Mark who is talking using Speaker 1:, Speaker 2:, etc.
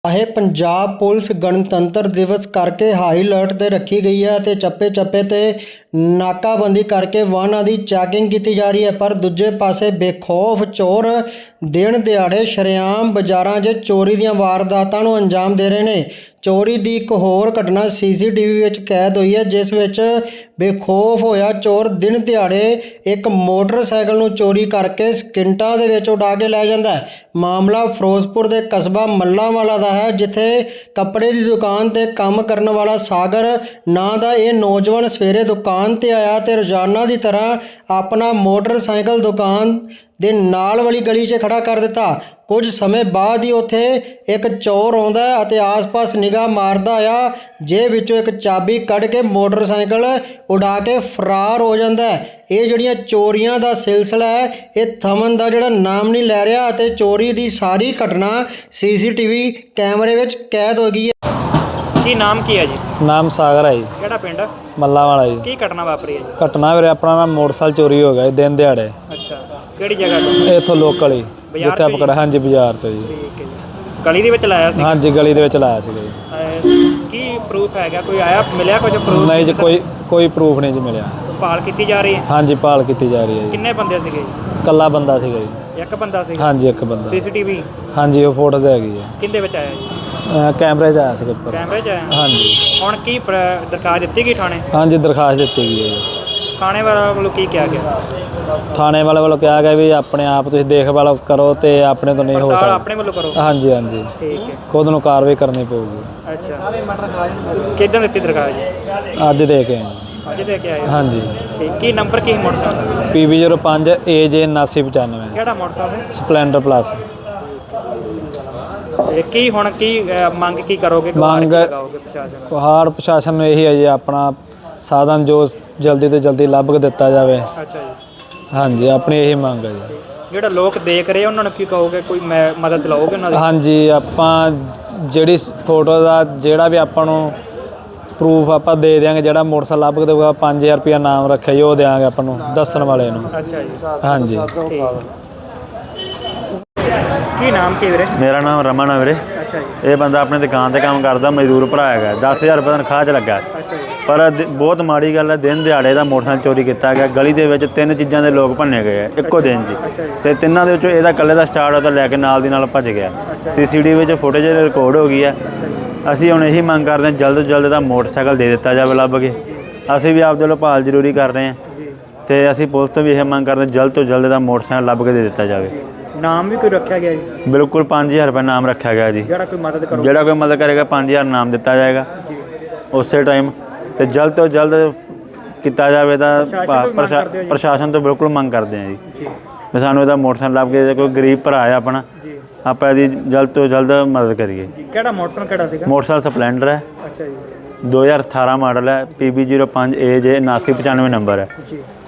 Speaker 1: ਇਹ ਪੰਜਾਬ ਪੁਲਿਸ ਗਣਤੰਤਰ ਦਿਵਸ ਕਰਕੇ ਹਾਈ ਅਲਰਟ 'ਤੇ ਰੱਖੀ ਗਈ ਹੈ ਅਤੇ ਚੱਪੇ-ਚੱਪੇ 'ਤੇ ਨਾਕਾਬੰਦੀ ਕਰਕੇ ਵਾਹਨਾਂ ਦੀ ਚੈਕਿੰਗ ਕੀਤੀ ਜਾ ਰਹੀ ਹੈ। ਪਰ ਦੂਜੇ ਪਾਸੇ ਬੇਖੌਫ ਚੋਰ ਦਿਨ ਦਿਹਾੜੇ ਸ਼ਰੇਆਮ ਬਾਜ਼ਾਰਾਂ 'ਚ ਚੋਰੀ ਦੀਆਂ ਵਾਰਦਾਤਾਂ ਨੂੰ ਅੰਜਾਮ ਦੇ ਰਹੇ ਨੇ। ਚੋਰੀ ਦੀ ਇੱਕ ਹੋਰ ਘਟਨਾ CCTV ਵਿੱਚ ਕੈਦ ਹੋਈ ਹੈ, ਜਿਸ ਵਿੱਚ ਬੇਖੌਫ ਹੋਇਆ ਚੋਰ ਦਿਨ ਦਿਹਾੜੇ ਇੱਕ ਮੋਟਰਸਾਈਕਲ ਨੂੰ ਚੋਰੀ ਕਰਕੇ ਸਕਿੰਟਾਂ ਦੇ ਵਿੱਚ ਉਡਾ ਕੇ ਲੈ ਜਾਂਦਾ ਹੈ। ਮਾਮਲਾ ਫਿਰੋਜ਼ਪੁਰ ਦੇ ਕਸਬਾ ਮੱਲਾਂਵਾਲਾ ਦਾ ਹੈ, ਜਿੱਥੇ ਕੱਪੜੇ ਦੀ ਦੁਕਾਨ 'ਤੇ ਕੰਮ ਕਰਨ ਵਾਲਾ ਸਾਗਰ ਨਾਂ ਦਾ ਇਹ ਨੌਜਵਾਨ ਸਵੇਰੇ ਦੁਕਾਨ 'ਤੇ ਆਇਆ ਤੇ ਰੋਜ਼ਾਨਾ ਦੀ ਤਰ੍ਹਾਂ ਆਪਣਾ ਮੋਟਰਸਾਈਕਲ ਦੁਕਾਨ ਦੇ ਨਾਲ ਵਾਲੀ ਗਲੀ 'ਚ ਖੜਾ ਕਰ ਦਿੱਤਾ। ਕੁਝ ਸਮੇਂ ਬਾਅਦ ਹੀ ਉੱਥੇ ਇੱਕ ਚੋਰ ਆਉਂਦਾ ਹੈ ਅਤੇ ਆਸ-ਪਾਸ ਨਿਗਾਹ ਮਾਰਦਾ ਆ, ਜੇਬ ਵਿੱਚੋਂ ਇੱਕ ਚਾਬੀ ਕੱਢ ਕੇ ਮੋਟਰਸਾਈਕਲ ਉਡਾ ਕੇ ਫਰਾਰ ਹੋ ਜਾਂਦਾ ਹੈ। ਇਹ ਜਿਹੜੀਆਂ ਚੋਰੀਆਂ ਦਾ ਸਿਲਸਿਲਾ ਹੈ, ਇਹ ਥਮਨ ਦਾ ਜਿਹੜਾ ਨਾਮ ਨਹੀਂ ਲੈ ਰਿਹਾ ਅਤੇ ਚੋਰੀ ਦੀ ਸਾਰੀ ਘਟਨਾ CCTV ਕੈਮਰੇ ਵਿੱਚ ਕੈਦ ਹੋ ਗਈ ਹੈ।
Speaker 2: ਕੀ ਨਾਮ ਕੀ ਹੈ ਜੀ?
Speaker 3: ਨਾਮ ਸਾਗਰ ਹੈ ਜੀ।
Speaker 2: ਕਿਹੜਾ ਪਿੰਡ?
Speaker 3: ਮੱਲਾਂਵਾਲਾ ਜੀ।
Speaker 2: ਕੀ ਘਟਨਾ ਵਾਪਰੀ ਹੈ ਜੀ?
Speaker 3: ਘਟਨਾ ਵੀਰੇ ਆਪਣਾ ਨਾ ਮੋਟਰਸਾਈਕਲ ਚੋਰੀ ਹੋ ਗਿਆ ਜੀ ਦਿਨ ਦਿਹਾੜੇ।
Speaker 2: ਅੱਛਾ, ਕਿਹੜੀ ਜਗ੍ਹਾ ਤੋਂ?
Speaker 3: ਇੱਥੋਂ ਲੋਕਲ ਹੀ ਜਿੱਥੇ ਆਪਾਂ ਖੜਾ। ਹਾਂਜੀ, ਬਾਜ਼ਾਰ ਤੋਂ ਜੀ।
Speaker 2: ਠੀਕ ਹੈ ਜੀ। ਗਲੀ ਦੇ ਵਿੱਚ ਲਾਇਆ ਸੀ?
Speaker 3: ਹਾਂਜੀ, ਗਲੀ ਦੇ ਵਿੱਚ ਲਾਇਆ ਸੀਗਾ ਜੀ।
Speaker 2: ਕੀ ਪ੍ਰੂਫ ਹੈਗਾ? ਕੋਈ ਆਇਆ ਮਿਲਿਆ ਕੁਝ ਪ੍ਰੂਫ?
Speaker 3: ਨਹੀਂ ਜੀ, ਕੋਈ ਪ੍ਰੂਫ ਨਹੀਂ ਜੀ ਮਿਲਿਆ।
Speaker 2: ਭਾਲ ਕੀਤੀ ਜਾ ਰਹੀ ਹੈ?
Speaker 3: ਹਾਂਜੀ, ਭਾਲ ਕੀਤੀ ਜਾ ਰਹੀ ਹੈ ਜੀ।
Speaker 2: ਕਿੰਨੇ ਬੰਦੇ ਸੀਗੇ ਜੀ?
Speaker 3: ਇਕੱਲਾ ਬੰਦਾ ਸੀਗਾ ਜੀ।
Speaker 2: ਇੱਕ ਬੰਦਾ ਸੀ?
Speaker 3: ਹਾਂਜੀ, ਇੱਕ ਬੰਦਾ।
Speaker 2: CCTV?
Speaker 3: ਹਾਂਜੀ, ਉਹ ਫੋਟੋਜ਼ ਹੈਗੀ ਹੈ।
Speaker 2: ਕਿੰਦੇ ਵਿੱਚ ਆਇਆ ਜੀ?
Speaker 3: ਕੈਮਰੇ 'ਚ ਆਇਆ ਸੀਗਾ ਉੱਪਰ।
Speaker 2: ਕੈਮਰੇ 'ਚ ਆਇਆ?
Speaker 3: ਹਾਂਜੀ।
Speaker 2: ਹੁਣ ਕੀ ਦਰਖਾਸਤ ਦਿੱਤੀ ਗਈ ਥਾਣੇ?
Speaker 3: ਹਾਂਜੀ, ਦਰਖਾਸਤ ਦਿੱਤੀ ਗਈ ਹੈ ਜੀ।
Speaker 2: ਥਾਣੇ ਵਾਲਾ ਵੱਲੋਂ ਕੀ ਕਿਹਾ ਗਿਆ?
Speaker 3: ਥਾਣੇ ਵਾਲੇ ਵੱਲੋਂ ਕਿਹਾ ਗਿਆ ਵੀ ਆਪਣੇ ਆਪ ਤੁਸੀਂ ਦੇਖਭਾਲ ਕਰੋ ਤੇ ਆਪਣੇ ਤੋਂ ਨਹੀਂ ਹੋ ਸਕਦਾ।
Speaker 2: ਆਪਣੇ ਵੱਲੋਂ ਕਰੋ?
Speaker 3: ਹਾਂਜੀ ਹਾਂਜੀ,
Speaker 2: ਠੀਕ ਹੈ।
Speaker 3: ਖੁਦ ਨੂੰ ਕਾਰਵਾਈ ਕਰਨੀ ਪਊਗੀ।
Speaker 2: ਅੱਛਾ, ਕਿੱਦਾਂ ਦਿੱਤੀ ਦਰਖਾਸਤ ਜੀ?
Speaker 3: ਅੱਜ ਦੇ ਕੇ ਆਏ।
Speaker 2: ਅੱਜ ਦੇ ਕੇ ਆਏ?
Speaker 3: ਹਾਂਜੀ।
Speaker 2: ਠੀਕ। ਕੀ ਨੰਬਰ ਕੀ ਮੋਟਰਸਾਈਕਲ?
Speaker 3: PB05 AJ 7995।
Speaker 2: ਕਿਹੜਾ ਮੋਟਰਸਾਈਕਲ?
Speaker 3: Splendor plus.
Speaker 2: ਕੀ ਹੁਣ ਕੀ ਮੰਗ ਕੀ ਕਰੋਗੇ?
Speaker 3: ਮੰਗ ਪਹਾੜ ਪ੍ਰਸ਼ਾਸਨ ਨੂੰ ਇਹੀ ਹੈ ਜੀ, ਆਪਣਾ ਸਾਧਨ ਜੋ ਜਲਦੀ ਤੋਂ ਜਲਦੀ ਲੱਭ ਕੇ ਦਿੱਤਾ ਜਾਵੇ।
Speaker 2: ਅੱਛਾ ਜੀ।
Speaker 3: ਹਾਂਜੀ, ਆਪਣੀ ਇਹੀ ਮੰਗ ਹੈ ਜੀ।
Speaker 2: ਜਿਹੜਾ ਲੋਕ ਦੇਖ ਰਹੇ ਉਹਨਾਂ ਨੂੰ ਕੀ ਕਹੋਗੇ? ਕੋਈ ਮਦਦ ਲਓਗੇ ਉਹਨਾਂ ਦੀ?
Speaker 3: ਹਾਂਜੀ, ਆਪਾਂ ਜਿਹੜੀ ਫੋਟੋ ਦਾ ਜਿਹੜਾ ਵੀ ਆਪਾਂ ਨੂੰ ਪ੍ਰੂਫ ਆਪਾਂ ਦੇ ਦਿਆਂਗੇ। ਜਿਹੜਾ ਮੋਟਰਸਾਈਕਲ ਲੱਭ ਕੇ ਦੇਊਗਾ 5000 ਰੁਪਇਆ ਨਾਮ ਰੱਖਿਆ ਜੀ, ਉਹ ਦਿਆਂਗੇ ਆਪਾਂ ਨੂੰ ਦੱਸਣ ਵਾਲੇ ਨੂੰ।
Speaker 2: ਅੱਛਾ ਜੀ।
Speaker 3: ਹਾਂਜੀ।
Speaker 2: ਕੀ ਨਾਮ ਕੀ ਵੀਰੇ?
Speaker 3: ਮੇਰਾ ਨਾਮ ਰਮਨ ਹੈ ਵੀਰੇ।
Speaker 2: ਅੱਛਾ ਜੀ।
Speaker 3: ਇਹ ਬੰਦਾ ਆਪਣੀ ਦੁਕਾਨ 'ਤੇ ਕੰਮ ਕਰਦਾ, ਮਜ਼ਦੂਰ ਭਰਾ ਹੈਗਾ। 10000 ਰੁਪਏ ਤਨਖਾਹ 'ਚ ਲੱਗਾ।
Speaker 2: ਅੱਛਾ ਜੀ।
Speaker 3: ਪਰ ਬਹੁਤ ਮਾੜੀ ਗੱਲ ਹੈ, ਦਿਨ ਦਿਹਾੜੇ ਦਾ ਮੋਟਰਸਾਈਕਲ ਚੋਰੀ ਕੀਤਾ ਗਿਆ। ਗਲੀ ਦੇ ਵਿੱਚ 3 ਚੀਜ਼ਾਂ ਦੇ ਲੋਕ ਭੰਨੇ ਗਏ ਇੱਕੋ ਦਿਨ 'ਚ, ਤੇ ਤਿੰਨਾਂ ਦੇ ਵਿੱਚੋਂ ਇਹਦਾ ਇਕੱਲੇ ਦਾ ਸਟਾਰਟ ਉਹਦਾ ਲੈ ਕੇ ਨਾਲ ਦੀ ਨਾਲ ਭੱਜ ਗਿਆ। CCTV ਵਿੱਚ ਫੁਟੇਜ ਰਿਕਾਰਡ ਹੋ ਗਈ ਹੈ। ਅਸੀਂ ਹੁਣ ਇਹੀ ਮੰਗ ਕਰਦੇ ਹਾਂ, ਜਲਦ ਤੋਂ ਜਲਦ ਦਾ ਮੋਟਰਸਾਈਕਲ ਦੇ ਦਿੱਤਾ ਜਾਵੇ ਲੱਭ ਕੇ। ਅਸੀਂ ਵੀ ਆਪਦੇ ਵੱਲੋਂ ਭਾਲ ਜ਼ਰੂਰੀ ਕਰ ਰਹੇ ਹਾਂ ਤੇ ਅਸੀਂ ਪੁਲਿਸ ਤੋਂ ਵੀ ਇਹ ਮੰਗ ਕਰਦੇ ਹਾਂ, ਜਲਦ ਤੋਂ ਜਲਦ ਦਾ ਮੋਟਰਸਾਈਕਲ ਲੱਭ ਕੇ ਦੇ ਦਿੱਤਾ ਜਾਵੇ।
Speaker 2: ਨਾਮ ਵੀ ਕੋਈ ਰੱਖਿਆ ਗਿਆ ਜੀ?
Speaker 3: ਬਿਲਕੁਲ 5000 ਰੁਪਏ ਨਾਮ ਰੱਖਿਆ ਗਿਆ ਜੀ।
Speaker 2: ਜਿਹੜਾ ਕੋਈ ਮਦਦ
Speaker 3: ਕਰੇਗਾ 5000 ਨਾਮ ਦਿੱਤਾ ਜਾਏਗਾ ਉਸੇ ਟਾਈਮ, ਤੇ ਜਲਦ ਤੋਂ ਜਲਦ ਕੀਤਾ ਜਾਵੇ। ਤਾਂ ਪ੍ਰਸ਼ਾਸਨ ਤੋਂ ਬਿਲਕੁਲ ਮੰਗ ਕਰਦੇ ਹਾਂ ਜੀ ਵੀ ਸਾਨੂੰ ਇਹਦਾ ਮੋਟਰਸਾਈਕਲ ਲੱਭ ਕੇ, ਕੋਈ ਗਰੀਬ ਭਰਾ ਹੈ ਆਪਣਾ, ਆਪਾਂ ਇਹਦੀ ਜਲਦ ਤੋਂ ਜਲਦ ਮਦਦ ਕਰੀਏ।
Speaker 2: ਕਿਹੜਾ ਮੋਟਰਸਾਈਕਲ ਕਿਹੜਾ ਸੀਗਾ?
Speaker 3: ਮੋਟਰਸਾਈਕਲ ਸਪਲੈਂਡਰ ਹੈ।
Speaker 2: ਅੱਛਾ ਜੀ।
Speaker 3: 2018 ਮਾਡਲ ਹੈ। PB05 AJ 7995 ਨੰਬਰ ਹੈ।